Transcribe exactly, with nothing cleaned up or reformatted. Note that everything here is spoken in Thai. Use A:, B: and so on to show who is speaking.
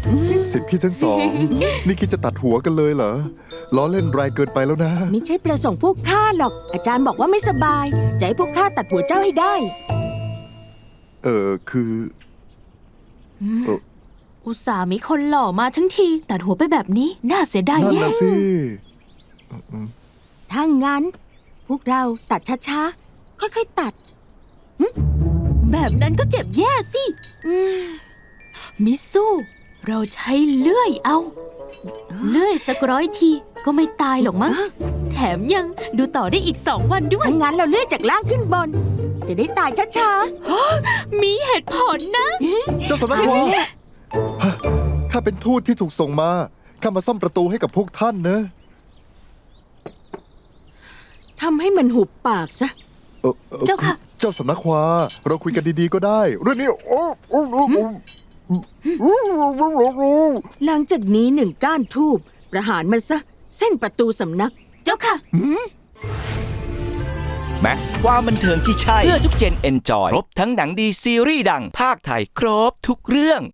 A: สิทธิ์พี่ทั้งสอง นี่คิดจะตัดหัวกันเลยเหรอ ล้อเล่นแรงเกินไปแล้วนะ
B: ไม่ใช่ประสงค์พวกข้าหรอก อาจารย์บอกว่าไม่สบาย จะให้พวกข้าตัดหัวเจ้าให้ได้
A: เออคือเออ
C: อุตส่าห์มีคนหล่อมาทั้งทีตัดหัวไปแบบนี้น่าเสียดาย
A: นั่น
C: แย่
A: นะสิ
B: ถ้างั้น พวกเราตัดช้าๆ ค่อยๆตัด
C: แบบนั้นก็เจ็บแย่สิมิสู้ เราใช้เลื่อยเอา เลื่อยสักร้อยทีก็ไม่ตายหรอกมั้งแถมยังดูต่อได้อีกสองวันด้วย
B: ถ้างั้นเราเลื่อยจากล่างขึ้นบน จะได้ตายช้า
C: มีเหตุผลนะ
A: เจ้าสำนักวาข้าเป็นทูตที่ถูกส่งมา ข้ามาซ่อมประตูให้กับพวกท่านนะ
B: ๆ ทำให้มันหุบปากซะ
A: เอ่ออ่อ
C: เจ้าค่ะ
A: เจ้าสำนักวาเราคุยกันดีๆก็ได้ เรื่องนี้โอ้โอ้โอ้โอ้
B: หลังจากนี้หนึ่งก้านทูบประหารมันซะ เส้นประตูสำนัก
C: เจ้าค่ะ
D: แม็กซ์ความบันเทิงที่ใช่ เพื่อทุกเจนเอนจอย ครบทั้งหนังดีซีรีส์ดังภาคไทย ครบทุกเรื่อง